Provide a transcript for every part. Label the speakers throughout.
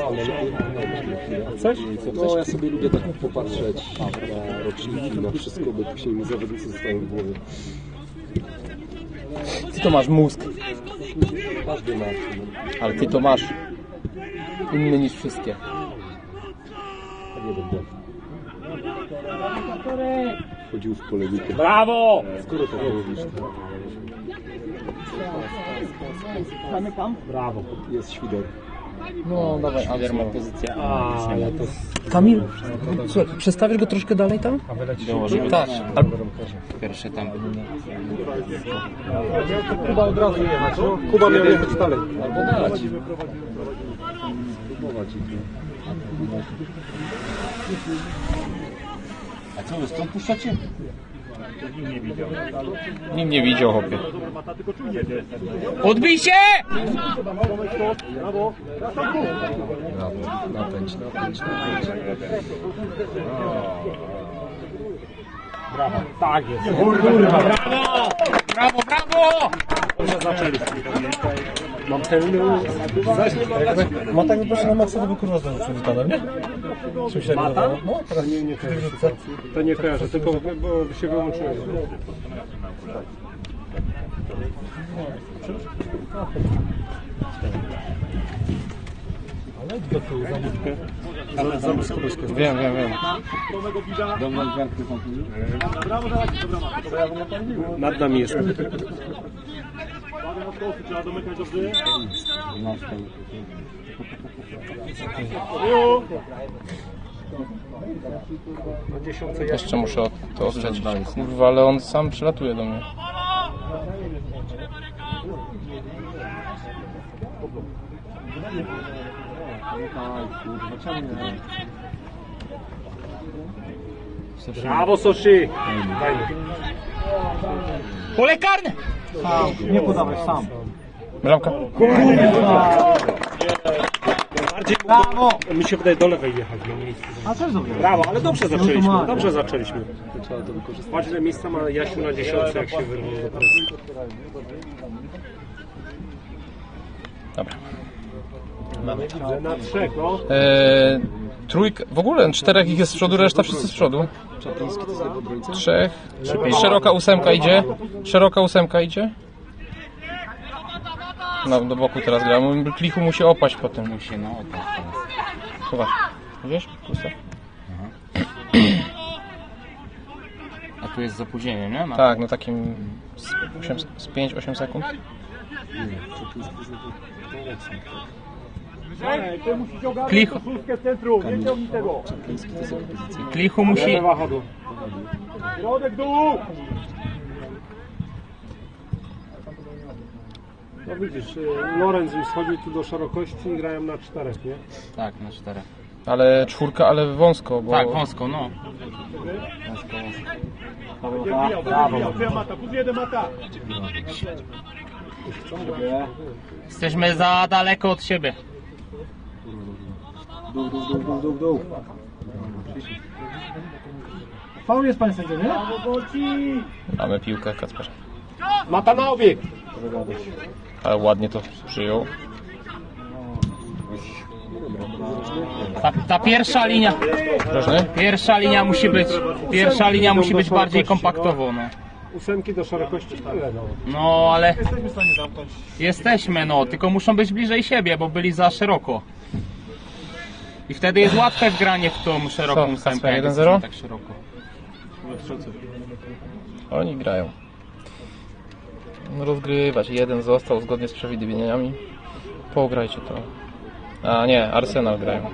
Speaker 1: Coś? No ja sobie lubię tak popatrzeć na roczniki, na wszystko, bo później mi zawodnicy zostają w głowie.
Speaker 2: Ty to masz mózg.
Speaker 1: Każdy ma.
Speaker 2: Ale ty to masz. Inny niż wszystkie.
Speaker 1: A nie będę. Chodził w polemikę.
Speaker 2: Brawo!
Speaker 1: Skoro tak mówisz, to...
Speaker 3: Zamykam.
Speaker 1: Brawo. Jest Świder.
Speaker 2: No dawaj, Adrian ma
Speaker 1: Pozycja A, ale to...
Speaker 2: Kamil, słuchaj, przestawisz go troszkę dalej tam?
Speaker 4: Dołożymy
Speaker 2: Tak.
Speaker 4: pierwsze tam.
Speaker 1: Kuba od razu jechać, no? Kuba miał jechać dalej. Albo dać. Próbować ich.
Speaker 4: A co, wy stąd puszczacie?
Speaker 2: Nikt nie widział, chłopie.
Speaker 4: Odbij się!
Speaker 1: Brawo. Napędź.
Speaker 3: Brawo. Tak jest.
Speaker 4: Brawo! Brawo!
Speaker 3: Dobrze zaczęliśmy.
Speaker 1: Mam ten zaś nie ma.
Speaker 2: Ma tak proszę na maksa, to by kurwa znowu przywitane, nie? Czym się
Speaker 1: Mata?
Speaker 2: no, teraz
Speaker 1: Nie kojarzę. To nie kojarzę, tylko bo się wyłączyłem.
Speaker 3: Ale do tyłu zamówkę.
Speaker 1: Ale za blisko.
Speaker 2: Wiem.
Speaker 1: Nad nami jest.
Speaker 3: Trzeba domykać dobrze.
Speaker 2: Jeszcze muszę to ostrzedzić. Kurwa, ale on sam przylatuje do mnie.
Speaker 3: Brawo, Soshi.
Speaker 4: Pole karne!
Speaker 3: Nie podawaj sam.
Speaker 2: Bramka.
Speaker 3: Brawo.
Speaker 1: Mi się wydaje do lewej jechać na miejscu.
Speaker 3: A też dobrze.
Speaker 1: Brawo, ale dobrze zaczęliśmy.
Speaker 3: ma.
Speaker 1: Dobrze zaczęliśmy. Trzeba to wykorzystać. Patrz, ile miejsca ma Jasiu na 10, jak się wyrwał do presji.
Speaker 2: Dobra.
Speaker 1: Na 3, no.
Speaker 2: Trójka, w ogóle 4 ich jest z przodu, reszta wszyscy z przodu.
Speaker 1: Czapliński to jest jego obrońca?
Speaker 2: 3. Szeroka ósemka idzie. Szeroka ósemka idzie. No, do boku teraz gra. Klichu musi opaść potem.
Speaker 4: Musi, no opaść teraz.
Speaker 2: Chyba. Wiesz? Pusta.
Speaker 4: A tu jest z opóźnieniem, nie?
Speaker 2: Tak, no takim z 5-8 sekund.
Speaker 3: Ty musisz ogarnąć
Speaker 2: Klichu.
Speaker 3: koszulkę w centrum. Nie ciągnij tego.
Speaker 1: Czapliński to jest jego pozycja.
Speaker 4: Klichu musi...
Speaker 3: Środek dół.
Speaker 1: No widzisz, Lorenz już schodził tu do szerokości i grają na 4, nie?
Speaker 4: Tak, na 4.
Speaker 2: Ale czwórka, ale wąsko, bo...
Speaker 4: Tak, wąsko, no.
Speaker 3: Brawo. Twoja mata. Plus jeden mata.
Speaker 4: Jesteśmy za daleko od siebie.
Speaker 1: Dół.
Speaker 3: Faul jest, panie sędzio, nie?
Speaker 2: Mamy piłkę, Kacper.
Speaker 1: Mata na obieg!
Speaker 2: Ale ładnie to przyjął.
Speaker 4: Ta pierwsza linia...
Speaker 2: Drożny?
Speaker 4: Pierwsza linia musi być bardziej kompaktowo, no.
Speaker 1: 8 do szerokości, ale no.
Speaker 4: No, ale
Speaker 3: Jesteśmy w stanie zamknąć.
Speaker 4: jesteśmy, no, tylko muszą być bliżej siebie, bo byli za szeroko. I wtedy jest łatwe wgranie w tą szeroką
Speaker 2: Co,
Speaker 4: ósemkę,
Speaker 2: Kacper,
Speaker 4: jak
Speaker 2: 1-0?
Speaker 4: jesteśmy tak szeroko.
Speaker 2: Oni grają. No rozgrywać. Jeden został zgodnie z przewidywaniami. Pograjcie to. A nie, Arsenal grają.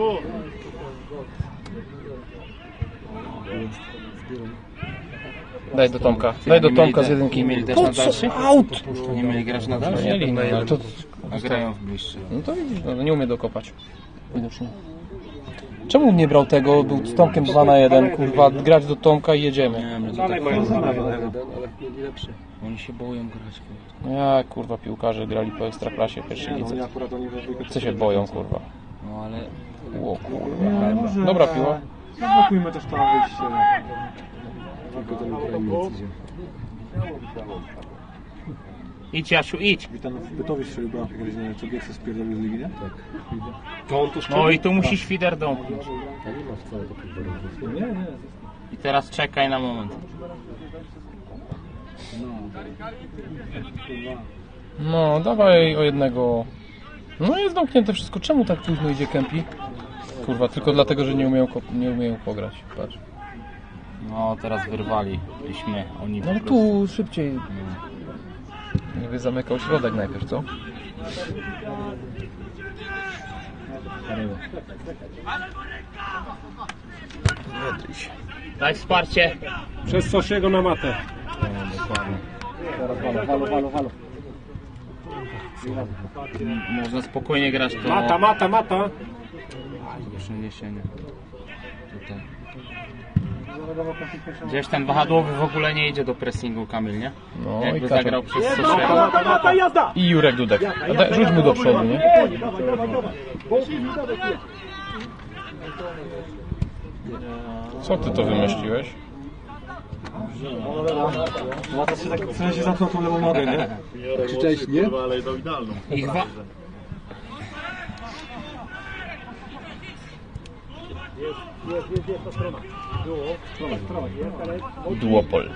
Speaker 2: Daj do Tomka. Daj do Tomka z jedynki.
Speaker 4: Nie mieli też na dalszy?
Speaker 2: Aut!
Speaker 4: Nie mieli grać na dalszy?
Speaker 2: Mieli, no, ale to...
Speaker 4: A grają w bliższy.
Speaker 2: No to widzisz, no, nie umie dokopać. Widocznie. Czemu nie brał tego? Był z Tomkiem 2-1, kurwa, grać do Tomka i jedziemy.
Speaker 4: Nie wiem, że to
Speaker 1: Dalej
Speaker 4: tak
Speaker 1: mają
Speaker 4: fajnie.
Speaker 1: ale mieli lepszy.
Speaker 4: Oni się boją grać. Kurwa.
Speaker 2: No jak, kurwa, piłkarze grali po Ekstraklasie w pierwszej lidze.
Speaker 1: Akurat oni we dwójkę
Speaker 2: Co się boją, kurwa.
Speaker 4: No ale...
Speaker 2: O kurwa. Dobra piła.
Speaker 3: Zablokujmy też tam wyjście.
Speaker 1: tylko ten Ukrainiec idzie.
Speaker 4: Idź Jasiu, idź.
Speaker 3: Witam w Bytowie strzelił bramkę, co Gieksa spierdolił z ligi, nie? Tak.
Speaker 1: To on to
Speaker 4: No i tu musi świder domknąć.
Speaker 1: A nie ma wcale takiego wyboru.
Speaker 3: Nie.
Speaker 4: I teraz czekaj na moment.
Speaker 2: No, dawaj o jednego. No jest zamknięte wszystko. Czemu tak późno idzie Kempi? Kurwa, tylko dlatego, że nie umieją pograć. Patrz.
Speaker 4: No teraz wyrwaliśmy. Oni
Speaker 2: No ale
Speaker 4: po prostu-
Speaker 2: tu szybciej. Niby zamykał środek najpierw, co?
Speaker 4: Daj wsparcie.
Speaker 1: Przez Sosiego na matę.
Speaker 3: Walo.
Speaker 4: Można spokojnie grać to
Speaker 1: Mata.
Speaker 4: przeniesienie. Tutaj. Gdzieś ten wahadłowy w ogóle nie idzie do pressingu, Kamil, nie?
Speaker 2: No i
Speaker 4: Jakby
Speaker 2: Kaczor.
Speaker 4: zagrał przez Sosiego.
Speaker 2: I Jurek Dudek. Rzuć mu do przodu, nie? Co ty to wymyśliłeś?
Speaker 3: Łata się tak w sensie zamknął tą lewą nogę, nie?
Speaker 1: Krzyczałeś nie?
Speaker 4: Ich
Speaker 2: Duopol.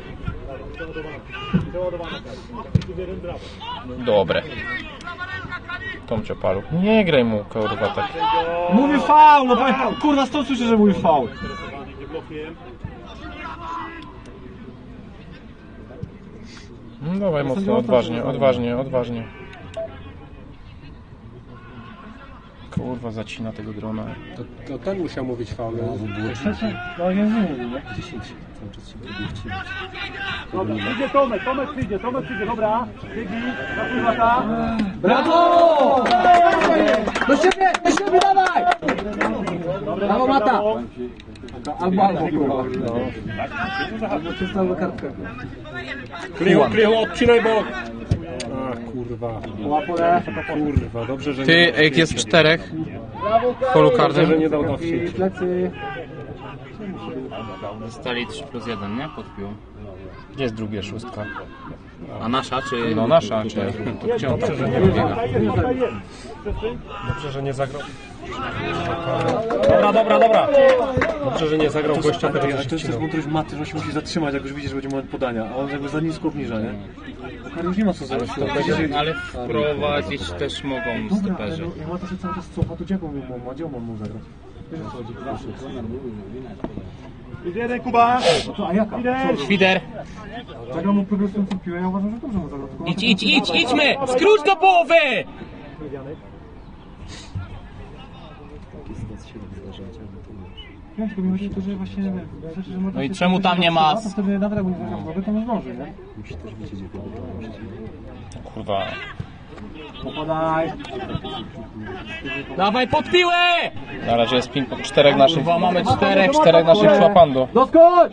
Speaker 2: Dobre. Tomcio Paluch. Nie graj mu, kurwa, tak.
Speaker 3: Mówi faul, no bo kurwa stąd słyszę, że mówi faul.
Speaker 2: No dawaj mocno, odważnie. Kurwa, zacina tego drona.
Speaker 1: To ten musiał mówić faul.
Speaker 3: No nie mówi, nie?
Speaker 1: 10. Cały czas się próbuje wcinać.
Speaker 3: Dobra, przyjdzie Tomek przyjdzie, dobra. Biegi, napływa ta. Brawo!
Speaker 5: Do siebie dawaj! Brawo Mata! Albo kurwa. Albo czysta albo kartka.
Speaker 1: Krychu, odcinaj bok! A kurwa. Kurwa, dobrze, że
Speaker 2: Ty, jak jest 4 w polu
Speaker 1: dobrze, że
Speaker 2: karnym.
Speaker 1: nie dał na wsieć.
Speaker 5: Plecy.
Speaker 4: Zostali 3+1, nie? Pod piłą.
Speaker 2: Gdzie jest drugie, 6?
Speaker 4: A nasza, czy...
Speaker 2: No nasza, czy to gdzie on tak nie wybiega?
Speaker 1: Dobrze, że nie zagrał. Dobra. Dobrze, że nie zagrał gościa, który
Speaker 3: Ale
Speaker 1: się
Speaker 3: to jest też
Speaker 1: wcinał.
Speaker 3: mądrość Maty, że on się musi zatrzymać, jak już widzi, że będzie moment podania. A on jakby za nisko obniża, nie? Bo już nie ma co zrobić.
Speaker 4: Ale wprowadzić też mogą
Speaker 3: Dobra, ale
Speaker 4: stoperzy.
Speaker 3: no, jak Mata się cały czas cofa, to gdzie on mógł zagrać? Wiesz o co chodzi? Idzie jeden Kuba! No to, a jaka?
Speaker 4: Świder!
Speaker 3: Zagrał mu progresującą piłę, ja uważam, że dobrze mu zagrał. Tylko
Speaker 4: Idźmy! Skróć do połowy!
Speaker 3: Ja tylko mi chodzi o to, że właśnie... Znaczy, że Mata
Speaker 4: No i
Speaker 3: się
Speaker 4: czemu
Speaker 3: cały
Speaker 4: tam
Speaker 3: czas
Speaker 4: nie ma-
Speaker 3: zatrzyma, to wtedy nawet jak mu nie zagrał w nogę, to nie zdąży, nie?
Speaker 1: Musi też wiedzieć, jak go
Speaker 2: Kurwa.
Speaker 3: Popadaj!
Speaker 4: Dawaj pod piłę!
Speaker 2: Na razie jest ping 4 naszych.
Speaker 4: Kurwa, mamy 4.
Speaker 2: 4 naszych szłapando.
Speaker 5: Doskocz!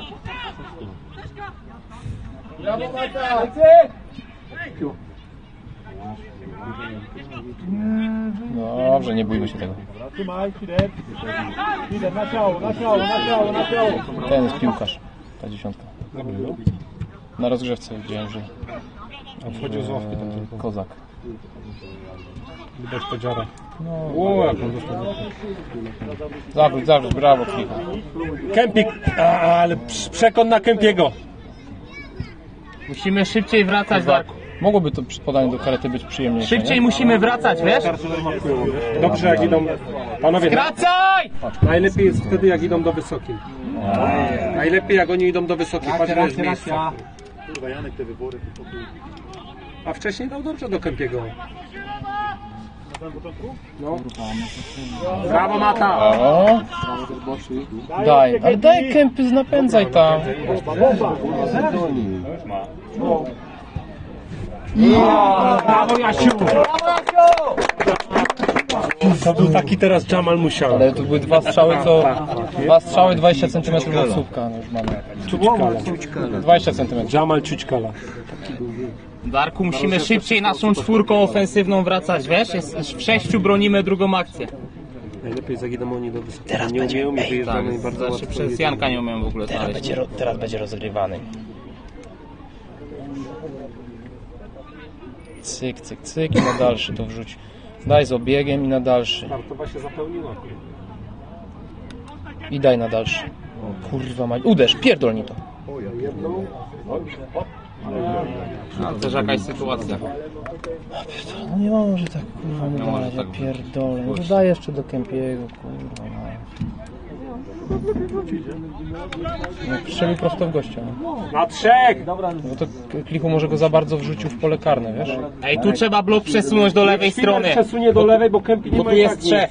Speaker 2: Dobrze, nie bójmy się tego.
Speaker 3: Trzymaj, Fider, na ciało.
Speaker 2: Ten jest piłkarz. Ta 10. Na rozgrzewce widziałem, że
Speaker 1: Wchodził z ławki tam tylko.
Speaker 2: kozak.
Speaker 1: Widać podziara.
Speaker 2: No,
Speaker 1: Jak on dostał.
Speaker 2: zawróć, brawo, Klicha.
Speaker 1: Kempik! Ale przekon na Kempiego.
Speaker 4: Musimy szybciej wracać, Darku.
Speaker 2: Mogłoby to przy podaniu do karety być przyjemniejsze,
Speaker 4: Szybciej
Speaker 2: nie?
Speaker 4: musimy wracać, wiesz?
Speaker 1: Dobrze, jak idą. Panowie,
Speaker 4: Wracaj!
Speaker 1: najlepiej jest wtedy, jak idą do wysokiej. Najlepiej, jak oni idą do wysokiej. Patrz, ile jest miejsca. A wcześniej dał dobrze do Kempiego. No. Brawo, Mata!
Speaker 2: O, daj, ale daj kępy, napędzaj tam.
Speaker 1: Brawo, Jasiu! To był taki teraz Jamal Musiał.
Speaker 2: Ale to były 2 strzały, 20 cm od słupka. No już mamy. 20 cm.
Speaker 1: Jamal Ciućkala.
Speaker 4: Darku, musimy szybciej naszą 4 ofensywną wracać, wiesz? W 6 bronimy drugą akcję.
Speaker 1: Najlepiej, jak idą oni do wysokiej. Nie umieją i wyjeżdżamy bardzo
Speaker 4: Znaczy
Speaker 1: łatwo.
Speaker 4: przez Janka nie umiem w ogóle znaleźć.
Speaker 2: Teraz będzie rozgrywany. cyk, cyk, cyk i na dalszy to wrzuć. Daj z obiegiem i na dalszy.
Speaker 1: Startowa się zapełniła.
Speaker 2: I daj na dalszy. Kurwa mać. Uderz, pierdolnij to.
Speaker 4: No, też jakaś sytuacja.
Speaker 2: No nie może tak kurwa nie dać, ja pierdolę. No to daj jeszcze do Kępiego, kurwa mać. No strzelił prosto w gościa. No.
Speaker 3: Na trzech!
Speaker 2: Bo to Klichu może go za bardzo wrzucił w pole karne, wiesz?
Speaker 4: Ej, tu trzeba blok przesunąć do lewej strony.
Speaker 3: Przesunie do lewej, bo Kępi nie
Speaker 4: Bo
Speaker 3: ma
Speaker 4: tu
Speaker 3: jak
Speaker 4: jest trzech.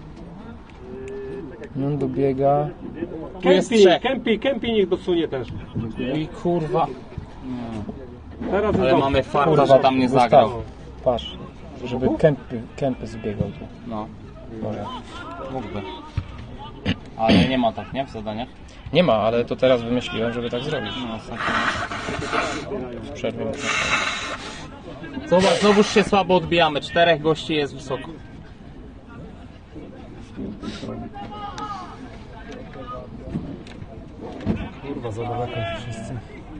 Speaker 2: No dobiega.
Speaker 4: Tu jest trzech.
Speaker 3: Kępi niech dosunie też.
Speaker 2: I kurwa.
Speaker 3: Teraz
Speaker 4: Ale
Speaker 3: jest
Speaker 4: mamy farta, że tam nie
Speaker 2: Gustaw,
Speaker 4: zagrał.
Speaker 2: patrz, żeby Kępy zbiegał tu.
Speaker 4: No,
Speaker 2: Może.
Speaker 4: mógłby. Ale nie ma tak, nie? W zadaniach?
Speaker 2: Nie ma, ale to teraz wymyśliłem, żeby tak zrobić.
Speaker 4: No, tak.
Speaker 2: W przerwie można.
Speaker 4: Zobacz, znowuż się słabo odbijamy. 4 gości jest wysoko.
Speaker 1: Kurwa, za daleko wszyscy.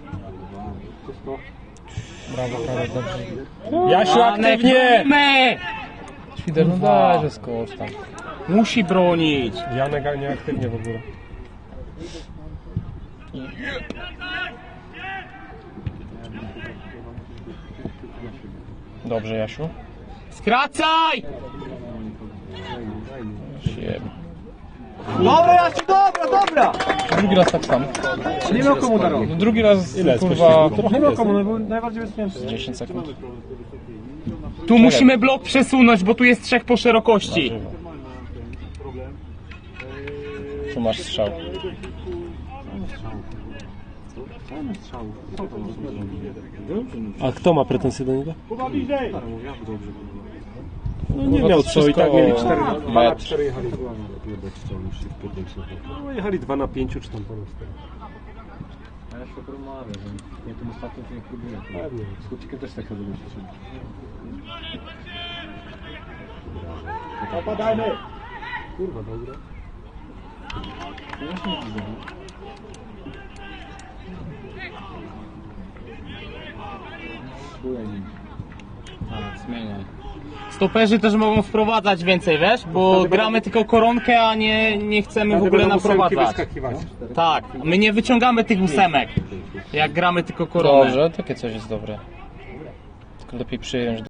Speaker 2: Brawo, prawie dobrze.
Speaker 3: Jasiu, aktywnie!
Speaker 4: My!
Speaker 2: Świder, no daj, że skocz tam.
Speaker 4: Musi bronić.
Speaker 3: Janek nieaktywnie w ogóle.
Speaker 2: Dobrze, Jasiu.
Speaker 4: Skracaj!
Speaker 2: Sieb.
Speaker 5: Dobra, Jasiu, dobra!
Speaker 2: Drugi raz tak samo.
Speaker 3: Nie miał komu darować.
Speaker 2: No, drugi raz, kurwa,
Speaker 3: Nie miał komu, był najbardziej bezpieczny.
Speaker 2: 10 sekund.
Speaker 4: Tu musimy blok przesunąć, bo tu jest 3 po szerokości.
Speaker 2: Tu masz strzał.
Speaker 1: A kto ma pretensje do niego?
Speaker 3: No nie miał co i tak mieli 4 na
Speaker 2: 4.
Speaker 3: 4 jechali. No jechali 2 na 5 czy tam ponad 4.
Speaker 1: Ja się porozmawiam, że nie tym ostatnim to nie próbuję.
Speaker 3: Pewnie.
Speaker 1: Z chłopcikiem też tak chyba się.
Speaker 3: Opadajmy!
Speaker 1: Kurwa, dobra.
Speaker 4: Zmieniaj. Stoperzy też mogą wprowadzać więcej, wiesz? Bo gramy tylko koronkę, a nie chcemy w ogóle naprowadzać. Tak, my nie wyciągamy tych 8, jak gramy tylko koronę.
Speaker 2: Dobrze, takie coś jest dobre. Tylko lepiej przyjąć